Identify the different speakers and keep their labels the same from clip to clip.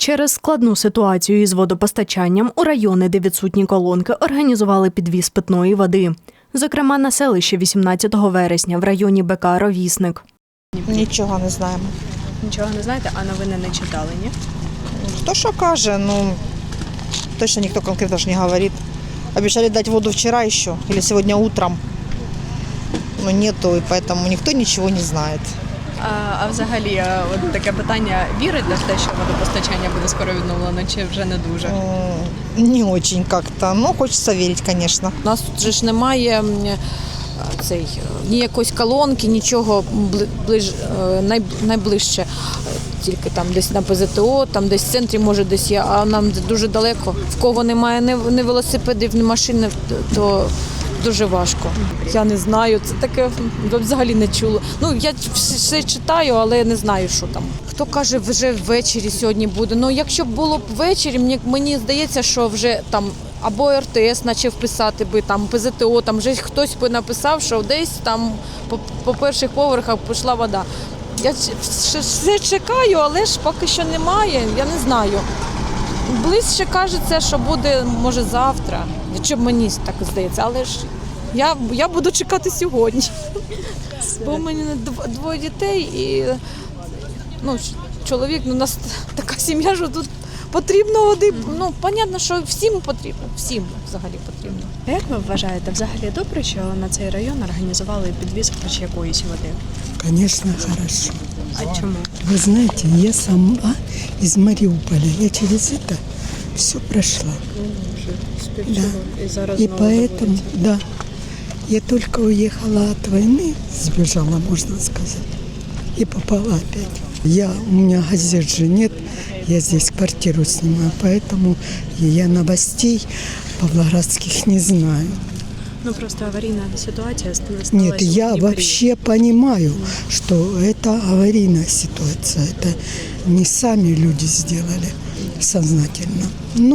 Speaker 1: Через складну ситуацію із водопостачанням у райони, де відсутні колонки, організували підвіз питної води. Зокрема, на селищі 18 вересня в районі БК «Ровісник».
Speaker 2: Нічого не знаємо.
Speaker 1: Нічого не знаєте, а новини не читали, ні?
Speaker 2: Хто що каже, точно ніхто конкретно ж не говорить. Обещали дать воду вчера еще или сегодня утром, но нету, и поэтому никто ничего не знает.
Speaker 1: А взагалі, от таке питання, вірите в те, що водопостачання буде скоро відновлено, чи вже не дуже?
Speaker 2: Не очень как-то, но хочется верить, конечно.
Speaker 3: У нас тут же ж немає ні якоїсь колонки, нічого найближче. Тільки там десь на ПЗТО, там десь в центрі, може десь є, а нам дуже далеко. В кого немає ні велосипедів, ні машин, то дуже важко. Я не знаю, це таке взагалі не чула. Я все читаю, але не знаю, що там. Хто каже, вже ввечері сьогодні буде. Якщо б було б ввечері, мені здається, що вже там або РТС почав писати би, там ПЗТО, там вже хтось би написав, що десь там по перших поверхах пішла вода. Я все чекаю, але ж поки що немає, я не знаю. Ближче кажеться, що буде, може, завтра, якщо мені так здається, але ж я буду чекати сьогодні. Бо у мене двоє дітей і чоловік, у нас така сім'я, що тут потрібно води. Понятно, що всім потрібно, всім взагалі потрібно.
Speaker 1: А як ви вважаєте, взагалі добре, що на цей район організували підвіз хоч якоїсь води?
Speaker 4: Конечно, хорошо.
Speaker 1: А чому?
Speaker 4: Вы знаете, я сама из Мариуполя. Я через это все прошла. Да. И поэтому, да, я только уехала от войны, сбежала, можно сказать, и попала опять. У меня газет же нет, я здесь квартиру снимаю, поэтому я новостей павлоградских не знаю.
Speaker 1: Просто аварийная ситуация сталась.
Speaker 4: Нет, я вообще понимаю, что это аварийная ситуация. Это не сами люди сделали сознательно.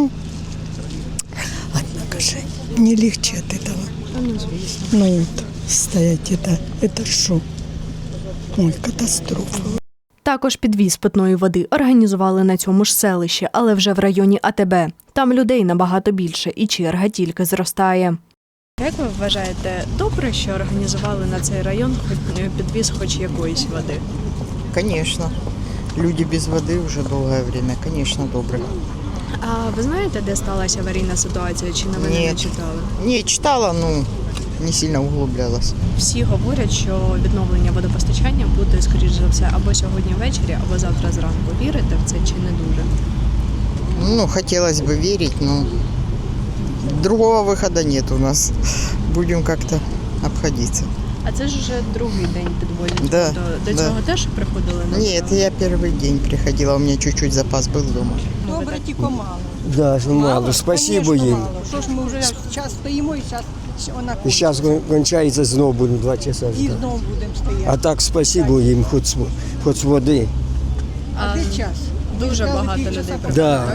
Speaker 4: Однако же, не легче от этого. Стоять это шок. Ой, катастрофа.
Speaker 1: Також підвіз питної води організували на цьому ж селищі, але вже в районі АТБ. Там людей набагато більше і черга тільки зростає. Як ви вважаєте, добре, що організували на цей район підвіз хоч якоїсь води?
Speaker 5: Конечно. Люди без воды уже долгое время. Конечно, добре.
Speaker 1: А ви знаєте, де сталася аварійна ситуація, чи новини не читали?
Speaker 5: Не читала, не сильно углублялась.
Speaker 1: Всі говорять, що відновлення водопостачання буде, скоріш за все, або сьогодні ввечері, або завтра зранку. Вірите в це чи не дуже?
Speaker 5: Хотелось бы верить, но другого выхода нет у нас. Будем как-то обходиться.
Speaker 1: А це ж вже другий день підвозять.
Speaker 5: Да,
Speaker 1: До цього теж приходили?
Speaker 5: Нет, я первый день приходила, у меня чуть-чуть запас был дома.
Speaker 6: Добре, тільки мало.
Speaker 7: Да, мало. Спасибо
Speaker 6: Конечно,
Speaker 7: їм.
Speaker 6: мало. Що ж ми вже час стоїмо і зараз вона
Speaker 7: І зараз кончається, знову будемо 2 часа
Speaker 6: і
Speaker 7: ждати.
Speaker 6: знову будемо стояти.
Speaker 7: А так спасибо їм, хоч води.
Speaker 6: А де час?
Speaker 1: Дуже багато людей приходить.
Speaker 7: Да.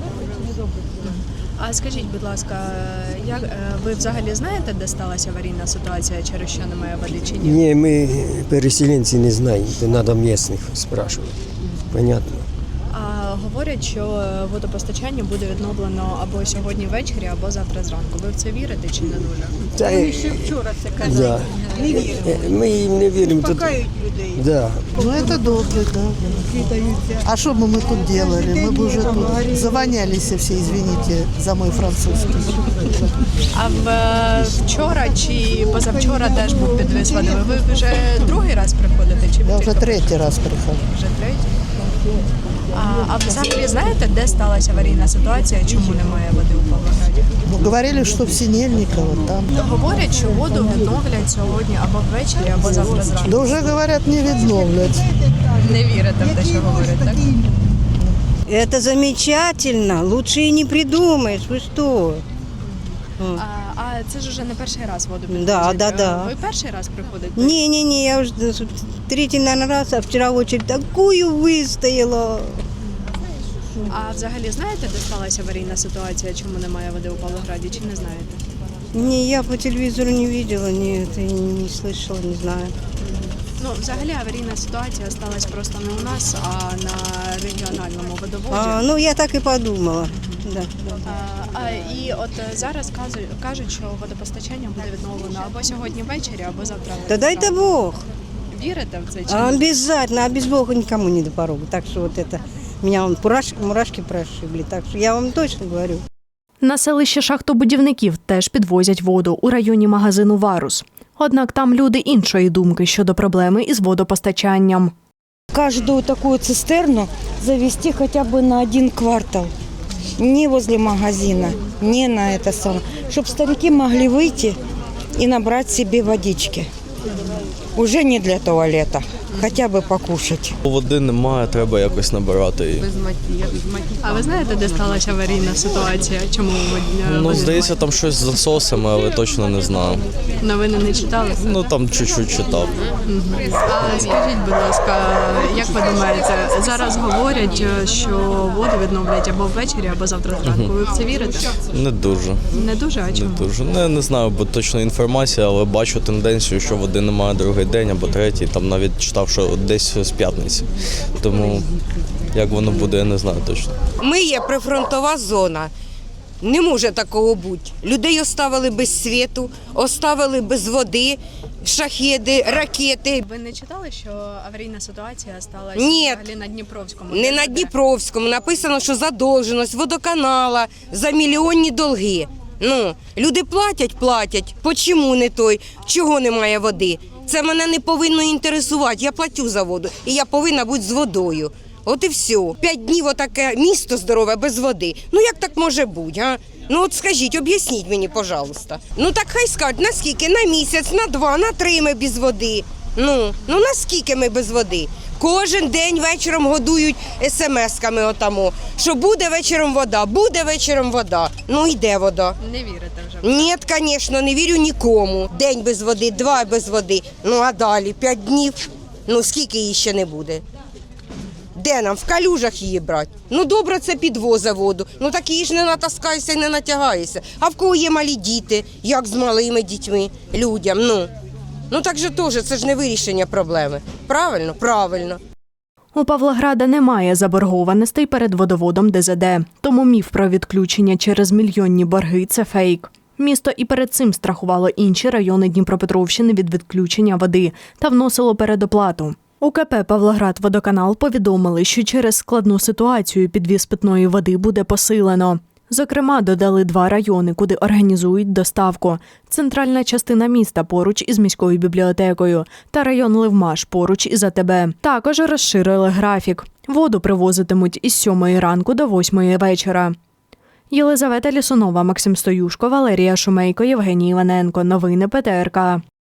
Speaker 1: А скажіть, будь ласка, ви взагалі знаєте, де сталася аварійна ситуація, через що немає води чи ні?
Speaker 7: Ні, ми переселенці не знаємо, то треба місцевих спрашувати. Понятно.
Speaker 1: А говорять, що водопостачання буде відновлено або сьогодні ввечері, або завтра зранку. Ви в це вірите чи не дуже?
Speaker 7: Та,
Speaker 6: Вони ще вчора це казали.
Speaker 7: да.
Speaker 6: Не віримо.
Speaker 7: Ми їм не віримо. Тут,
Speaker 6: Пакають людей.
Speaker 7: да.
Speaker 8: Это добре, да. А что бы мы тут делали? Мы бы уже тут завонялись все, извините за мой французский.
Speaker 1: А вчора чи позавчора теж був підвіз води. Ви вже другий раз приходите? Чи
Speaker 8: Я уже третий раз прихожу.
Speaker 1: вже третій? А взагалі знаєте, де сталася аварійна ситуація, чому немає води у Павлограді?
Speaker 8: Говорили, что в Синельниково там.
Speaker 1: Говорять, що воду відновлять сьогодні або ввечері, або завтра зранку.
Speaker 8: Да уже говорят, не відновлять.
Speaker 1: Не вірите в те, що говорять, так?
Speaker 9: Это замечательно, лучше и не придумаешь, вы что?
Speaker 1: А це ж уже не перший раз воду підвозять.
Speaker 9: Да.
Speaker 1: Ви перший раз приходите?
Speaker 9: Не, я уже третий, наверное, раз, а вчера очередь такую выстояла.
Speaker 1: А взагалі знаєте, де сталася аварійна ситуація, чому немає води у Павлограді, чи не знаєте?
Speaker 9: Не, я по телевизору не видела, не слышала, не знаю.
Speaker 1: Ну, взагалі аварійна ситуація сталася просто не у нас, а на регіональному водоводі.
Speaker 9: Ну, я так і подумала. Да.
Speaker 1: І от зараз кажуть, що водопостачання буде відновлено або сьогодні ввечері, або завтра.
Speaker 9: Да дайте Бог.
Speaker 1: Вірите в це чи ні?
Speaker 9: Обязательно, а без Бога никому не до порога. Так что вот это, меня вон мурашки прошибли. Так что я вам точно говорю.
Speaker 1: На селище шахтобудівників теж підвозять воду у районі магазину «Варус». Однак там люди іншої думки щодо проблеми із водопостачанням.
Speaker 10: Каждую такую цистерну завести хотя бы на 1 квартал. Не возле магазина, не на это самое. Чтобы старики могли выйти и набрать себе водички. Уже не для туалета, хотя бы покушать.
Speaker 11: Води немає, треба якось набирати її.
Speaker 1: А ви знаєте, де сталася аварійна ситуація? Чому
Speaker 11: Ну, здається, там щось з насосами, але точно не знаю.
Speaker 1: новини не читали?
Speaker 11: Ну, там чуть-чуть читав.
Speaker 1: А скажіть, будь ласка, як ви думаєте, зараз говорять, що воду відновлять або ввечері, або завтра зранку. Ви в це вірите?
Speaker 11: Не дуже.
Speaker 1: Не дуже, а чому?
Speaker 11: Не дуже. Не знаю, бо точно інформація, але бачу тенденцію, що води немає другий день або третій. Там навіть читав, що десь з п'ятниці. Тому як воно буде, я не знаю точно.
Speaker 12: Ми є прифронтова зона. Не може такого бути. Людей оставили без світу, оставили без води, шахеди, ракети.
Speaker 1: Ви не читали, що аварійна ситуація сталася
Speaker 12: Ні.
Speaker 1: взагалі на Дніпровському?
Speaker 12: Не на Дніпровському. Написано, що задовженість водоканала за мільйонні долги. Ну, люди платять. Почому не той? Чого немає води? Це мене не повинно інтересувати. Я платю за воду і я повинна бути з водою. От і все. 5 днів отаке місто здорове без води. Ну як так може бути, а? Ну от скажіть, об'ясніть мені, пожалуйста. Ну так хай скажуть, наскільки? На місяць, на 2, на 3 ми без води. Ну наскільки ми без води? Кожен день вечором годують смс-ками отамо, що буде вечором вода. Ну йде вода.
Speaker 1: Не вірите вже?
Speaker 12: Ні, звісно, не вірю нікому. День без води, 2 без води. Ну а далі 5 днів, ну скільки її ще не буде? Де нам? В калюжах її брати? Ну добре, це підвозить воду. Ну так її ж не натаскаєшся і не натягаєшся. А в кого є малі діти, як з малими дітьми, людям, Ну так же теж, це ж не вирішення проблеми. Правильно? Правильно.
Speaker 1: У Павлограда немає заборгованостей перед водоводом ДЗД, тому міф про відключення через мільйонні борги – це фейк. Місто і перед цим страхувало інші райони Дніпропетровщини від відключення води та вносило передоплату. У КП «Павлоградводоканал» повідомили, що через складну ситуацію підвіз питної води буде посилено. Зокрема, додали 2 райони, куди організують доставку. Центральна частина міста поруч із міською бібліотекою та район Левмаш поруч із АТБ. Також розширили графік. Воду привозитимуть із 7 ранку до 8 вечора. Єлизавета Лісунова, Максим Стоюшко, Валерія Шумейко, Євгеній Іваненко. Новини ПТРК.